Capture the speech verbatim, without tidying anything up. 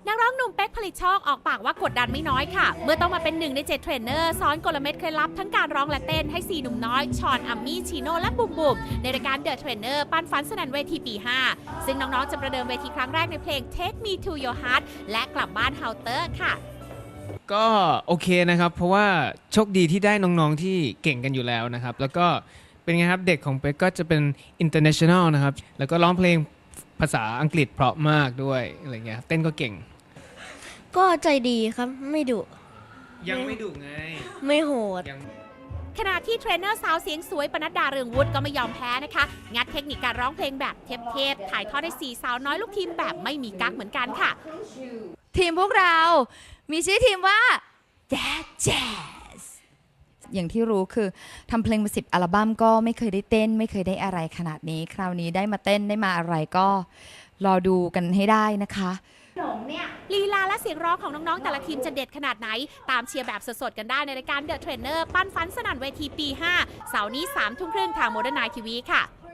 นักร้องหนุ่มเป๊กผลิตโชคออกปากว่ากดดันไม่น้อยค่ะเมื่อต้องมาเป็นหนึ่งในเจ็ดเทรนเนอร์สอนกลเม็ดเคล็ดลับทั้งการร้องและเต้นให้สี่หนุ่มน้อยชอนอัมมี่ชิโน่และบุ๋มบุ๋มในรายการเดอะเทรนเนอร์ปั้นฝันสนั่นเวทีปีห้าซึ่งน้องๆจะประเดิมเวทีครั้งแรกในเพลง Take Me to Your Heart และกลับบ้านเฮาเตอร์ค่ะก็โอเคนะครับเพราะว่าโชคดีที่ได้น้องๆที่เก่งกันอยู่แล้วนะครับแล้วก็เป็นไงครับเด็กของเป๊กก็จะเป็น international นะครับแล้วก็ร้องเพลงภาษาอังกฤษเพราะมากด้วยอะไรเงี้ยเต้นก็เก่งก็ใจดีครับไม่ดุยังไม่ดุไงไม่โหดขณะที่เทรนเนอร์สาวเสียงสวยปนัดดาเรืองวุฒิก็ไม่ยอมแพ้นะคะงัดเทคนิคการร้องเพลงแบบเทพๆถ่ายทอดให้สี่สาวน้อยลูกทีมแบบไม่มีกั๊กเหมือนกันค่ะทีมพวกเรามีชื่อทีมว่า Jazz Jazz อย่างที่รู้คือทำเพลงมาสิบอัลบั้มก็ไม่เคยได้เต้นไม่เคยได้อะไรขนาดนี้คราวนี้ได้มาเต้นได้มาอะไรก็รอดูกันให้ได้นะคะลีลาและเสียงร้องของน้องๆแต่ละทีมจะเด็ดขนาดไหนตามเชียร์แบบสดๆกันได้ในรายการ The Trainer ปั้นฝันสนั่นเวทีปีห้าเสาร์นี้สามทุ่มครึ่งทางโมเดิร์นไนท์ทีวีค่ะ